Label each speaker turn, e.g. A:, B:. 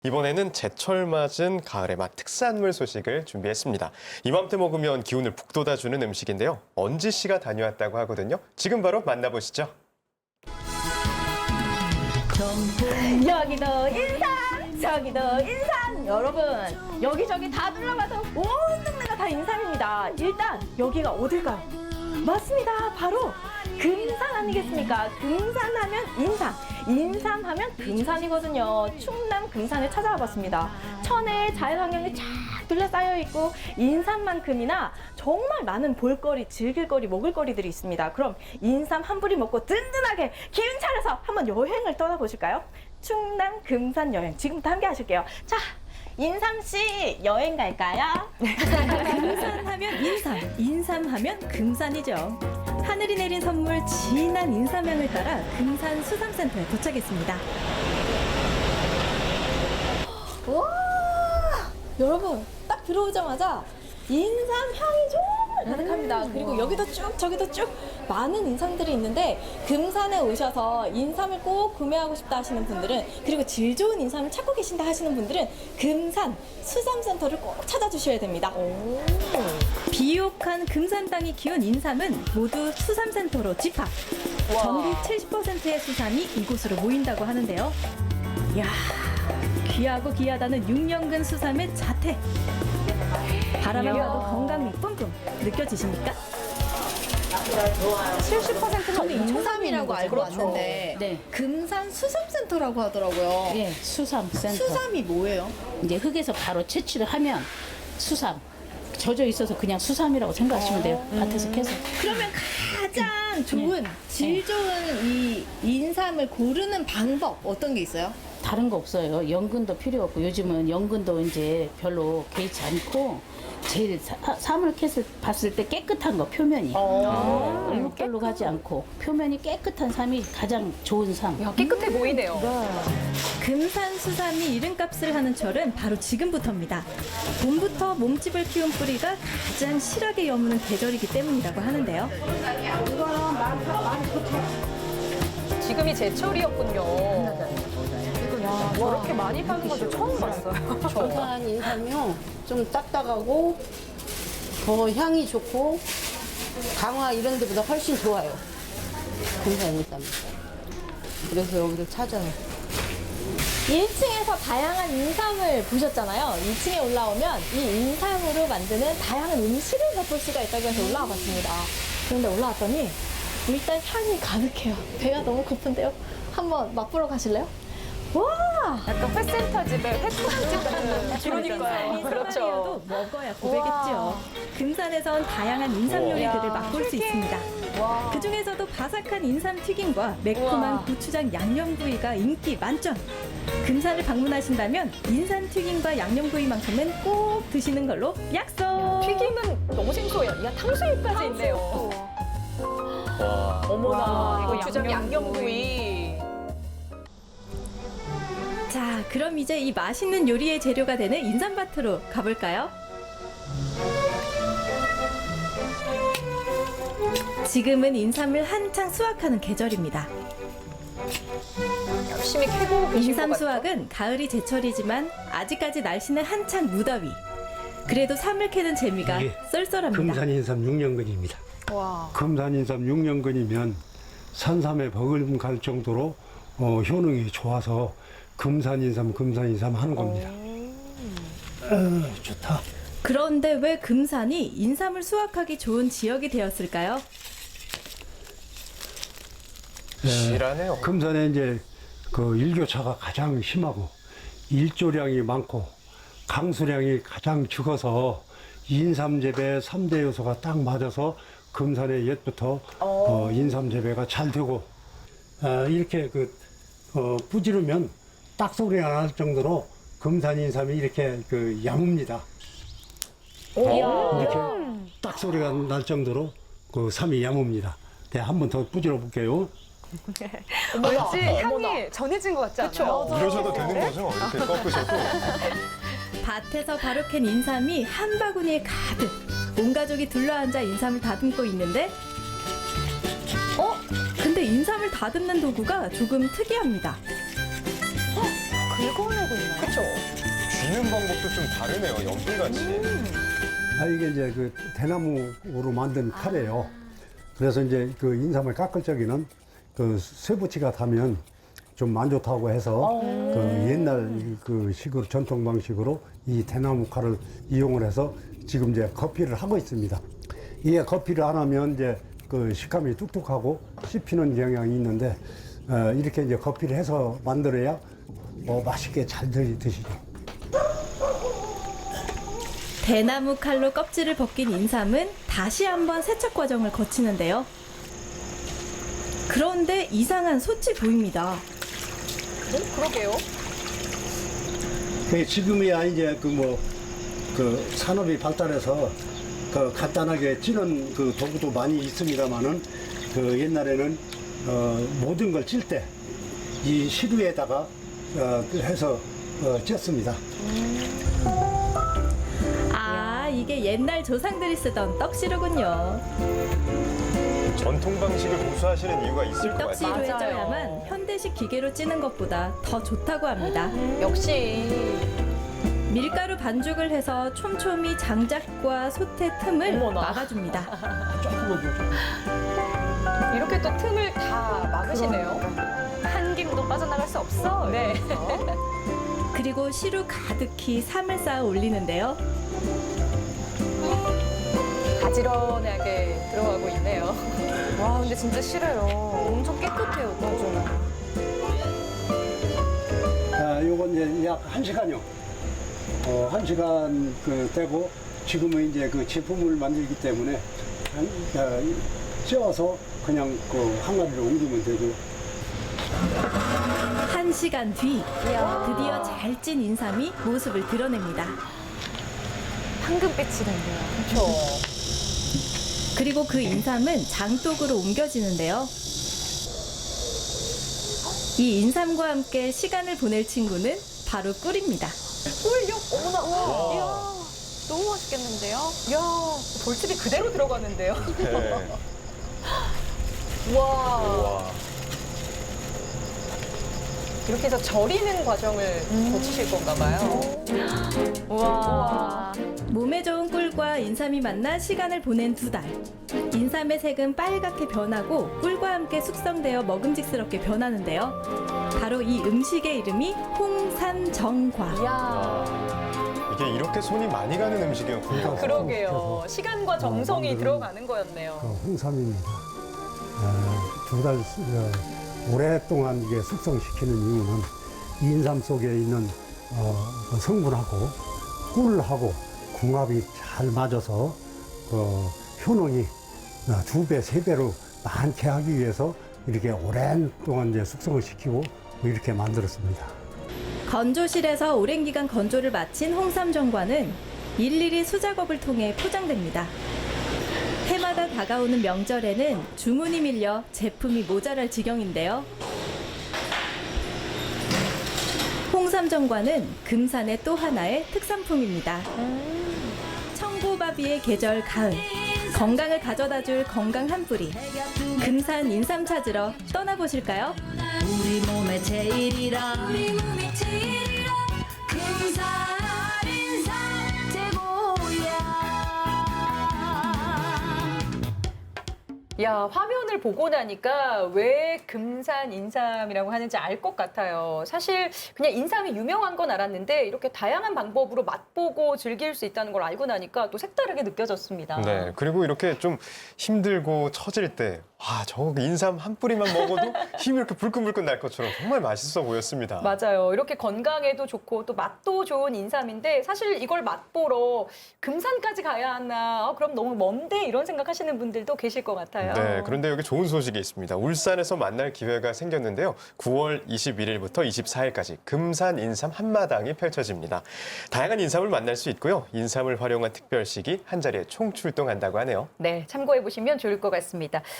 A: 이번에는 제철 맞은 가을의 맛 특산물 소식을 준비했습니다. 이맘때 먹으면 기운을 북돋아주는 음식인데요. 언지 씨가 다녀왔다고 하거든요. 지금 바로 만나보시죠.
B: 여기도 인삼, 저기도 인삼. 여러분, 여기저기 다 둘러봐도 온 동네가 다 인삼입니다. 일단 여기가 어딜까요? 맞습니다. 바로 금산 아니겠습니까? 금산하면 인삼, 인삼하면 금산이거든요. 충남 금산에 찾아와 봤습니다. 천혜의 자연환경이 쫙 둘러싸여 있고 인삼만큼이나 정말 많은 볼거리, 즐길거리, 먹을거리들이 있습니다. 그럼 인삼 한 뿌리 먹고 든든하게 기운 차려서 한번 여행을 떠나보실까요? 충남 금산 여행 지금부터 함께 하실게요. 자, 인삼 씨 여행 갈까요?
C: 금산하면 인삼, 인삼하면 금산이죠. 하늘이 내린 선물 진한 인삼향을 따라 금산 수삼센터에 도착했습니다.
B: 와, 여러분 딱 들어오자마자 인삼 향이 정말 가득합니다. 그리고 여기도 쭉 저기도 쭉 많은 인삼들이 있는데 금산에 오셔서 인삼을 꼭 구매하고 싶다 하시는 분들은, 그리고 질 좋은 인삼을 찾고 계신다 하시는 분들은 금산 수삼센터를 꼭 찾아주셔야 됩니다.
C: 비옥한 금산 땅이 키운 인삼은 모두 수삼센터로 집합. 전국 70%의 수삼이 이곳으로 모인다고 하는데요. 이야, 귀하고 귀하다는 6년근 수삼의 자태. 바라만 봐도 건강미 뿜뿜 느껴지십니까?
D: 70%는 인삼이라고 알고 왔는데
E: 네.
D: 금산 수삼센터라고 하더라고요.
E: 예, 수삼센터.
D: 수삼이 뭐예요?
E: 이제 흙에서 바로 채취를 하면 수삼. 젖어 있어서 그냥 수삼이라고 생각하시면 돼요. 밭에서 캐서.
D: 그러면 가장 좋은 질 좋은 이 인삼을 고르는 방법 어떤 게 있어요?
E: 다른 거 없어요. 연근도 필요 없고 요즘은 연근도 이제 별로 개의치 않고 제일 삼을 캐서 봤을 때 깨끗한 거 표면이 얼룩덜룩하지 않고 표면이 깨끗한 삼이 가장 좋은 삼.
F: 깨끗해 보이네요.
C: 금산 수삼이 이름값을 하는 철은 바로 지금부터입니다. 봄부터 몸집을 키운 뿌리가 가장 실하게 여무는 계절이기 때문이라고 하는데요.
F: 지금이 제철이었군요. 야, 저렇게 많이 파는 것도 처음 봤어요.
G: 금산 인삼이요. 좀 딱딱하고 더 향이 좋고 강화 이런 데보다 훨씬 좋아요. 금산 인삼. 그래서 여기를 찾아요.
B: 1층에서 다양한 인삼을 보셨잖아요. 2층에 올라오면 이 인삼으로 만드는 다양한 음식을 맛볼 수가 있다고 해서 올라와 봤습니다. 그런데 올라왔더니 일단 향이 가득해요. 배가 너무 고픈데요. 한번 맛보러 가실래요? 와!
F: 약간 회센터 집에 회포장집 같은. 그러니까요. 그렇죠.
C: 수삼이어도 먹어야 고백했죠. 금산에선 다양한 인삼 요리들을 맛볼 수 있습니다. 그 중에서도 바삭한 인삼 튀김과 매콤한 고추장 양념구이가 인기 만점. 금산을 방문하신다면 인삼 튀김과 양념구이만큼은 꼭 드시는 걸로 약속.
F: 튀김은 너무 생소해요. 야, 탕수육까지 있네요.
A: 와,
F: 어머나, 이거 고추장 양념구이.
C: 자, 그럼 이제 이 맛있는 요리의 재료가 되는 인삼밭으로 가볼까요? 지금은 인삼을 한창 수확하는 계절입니다.
F: 열심히 캐고 계신 것
C: 인삼
F: 같아요.
C: 수확은 가을이 제철이지만 아직까지 날씨는 한창 무더위. 그래도 삼을 캐는 재미가
H: 이게
C: 쏠쏠합니다.
H: 금산인삼 6년근입니다. 금산인삼 6년근이면 산삼에 버금갈 정도로 효능이 좋아서 금산인삼 하는 겁니다. 좋다.
C: 그런데 왜 금산이 인삼을 수확하기 좋은 지역이 되었을까요?
A: 실하네요.
H: 금산에 이제 그 일교차가 가장 심하고 일조량이 많고 강수량이 가장 적어서 인삼 재배 3대 요소가 딱 맞아서 금산에 옛부터 인삼 재배가 잘 되고 이렇게 뿌지르면 딱 소리가 날 정도로 금산 인삼이 이렇게 야뭅니다. 이렇게 딱 소리가 날 정도로 그 삼이 야뭅니다. 네, 한 번 더 뿌지러 볼게요.
F: 왠지 향이 전해진 것 같지 않아요?
A: 이러셔도 되는 거죠? 이렇게 꺾으셔도.
C: 밭에서 바로 캔 인삼이 한 바구니에 가득. 온 가족이 둘러앉아 인삼을 다듬고 있는데 근데 인삼을 다듬는 도구가 조금 특이합니다.
F: 긁어내고 있나요? 그렇죠.
A: 쥐는 방법도 좀 다르네요. 연필같이.
H: 이게 이제 그 대나무로 만든 칼이에요. 그래서 이제 그 인삼을 깎을 적에는 그 쇠붙이가 타면 좀 안 좋다고 해서 그 옛날 그 식으로 전통 방식으로 이 대나무 칼을 이용을 해서 지금 이제 커피를 하고 있습니다. 이게 커피를 안 하면 이제 그 식감이 뚝뚝하고 씹히는 경향이 있는데 이렇게 이제 커피를 해서 만들어야 맛있게 잘 드시죠.
C: 대나무 칼로 껍질을 벗긴 인삼은 다시 한번 세척 과정을 거치는데요. 그런데 이상한 솥이 보입니다.
F: 그러게요.
H: 지금이야 이제 그 산업이 발달해서 그 간단하게 찌는 그 도구도 많이 있습니다만은 그 옛날에는 모든 걸 찔 때 이 시루에다가 해서 쪘습니다.
C: 아, 이게 옛날 조상들이 쓰던 떡시루군요.
A: 전통 방식을 고수하시는 이유가 있을 것 같아요.
C: 떡시루에
F: 맞아요.
C: 쪄야만 현대식 기계로 찌는 것보다 더 좋다고 합니다.
F: 역시
C: 밀가루 반죽을 해서 촘촘히 장작과 솥의 틈을
F: 어머나.
C: 막아줍니다.
H: 조금만 더.
F: 이렇게 또 틈을 다 막으시네요. 한 김도 빠져나갈 수 없어. 네.
C: 그리고 시루 가득히 삼을 쌓아 올리는데요.
F: 가지런하게 들어가고 있네요. 와, 근데 진짜 싫어요. 엄청 깨끗해요, 또.
H: 요건 이제 약 1시간요. 1시간 떼고 지금은 이제 그 제품을 만들기 때문에 쪄서 그냥 그 항아리로 옮기면 되고.
C: 1시간 뒤 드디어 잘 찐 인삼이 모습을 드러냅니다.
F: 황금빛이 된대요. 그렇죠.
C: 그리고 그 인삼은 장독으로 옮겨지는데요. 이 인삼과 함께 시간을 보낼 친구는 바로 꿀입니다.
F: 꿀요? 어머나. 이야, 너무 맛있겠는데요? 이야, 돌집이 그대로 들어가는데요?
A: 네.
F: 와.
A: 와.
F: 이렇게 해서 절이는 과정을 거치실 건가 봐요. 와.
C: 몸에 좋은 꿀과 인삼이 만나 시간을 보낸 2달. 인삼의 색은 빨갛게 변하고 꿀과 함께 숙성되어 먹음직스럽게 변하는데요. 바로 이 음식의 이름이 홍삼정과.
F: 이야.
A: 이게 이렇게 손이 많이 가는 음식이었군요.
F: 그러게요. 시간과 정성이
H: 만드는-
F: 들어가는 거였네요.
H: 홍삼입니다. 2달 오랫동안 이게 숙성시키는 이유는 인삼 속에 있는 그 성분하고 꿀하고 궁합이 잘 맞아서 효능이 2배, 3배로 많게 하기 위해서 이렇게 오랜 동안 이제 숙성을 시키고 이렇게 만들었습니다.
C: 건조실에서 오랜 기간 건조를 마친 홍삼정과는 일일이 수작업을 통해 포장됩니다. 해마다 다가오는 명절에는 주문이 밀려 제품이 모자랄 지경인데요. 홍삼정과는 금산의 또 하나의 특산품입니다. 청고바비의 계절 가을, 건강을 가져다줄 건강 한 뿌리. 금산 인삼 찾으러 떠나보실까요?
I: 우리 몸의 제일이라 금산 인삼 최고야.
F: 야, 화면을 보고 나니까 왜 금산 인삼이라고 하는지 알 것 같아요. 사실 그냥 인삼이 유명한 건 알았는데 이렇게 다양한 방법으로 맛보고 즐길 수 있다는 걸 알고 나니까 또 색다르게 느껴졌습니다.
A: 네, 그리고 이렇게 좀 힘들고 처질 때, 와, 저 인삼 한 뿌리만 먹어도 힘이 이렇게 불끈불끈 날 것처럼 정말 맛있어 보였습니다.
F: 맞아요. 이렇게 건강에도 좋고 또 맛도 좋은 인삼인데 사실 이걸 맛보러 금산까지 가야 하나? 그럼 너무 먼데 이런 생각하시는 분들도 계실 것 같아요.
A: 네, 그런데 여기 좋은 소식이 있습니다. 울산에서 만날 기회가 생겼는데요. 9월 21일부터 24일까지 금산 인삼 한마당이 펼쳐집니다. 다양한 인삼을 만날 수 있고요. 인삼을 활용한 특별식이 한 자리에 총출동한다고 하네요.
F: 네, 참고해 보시면 좋을 것 같습니다.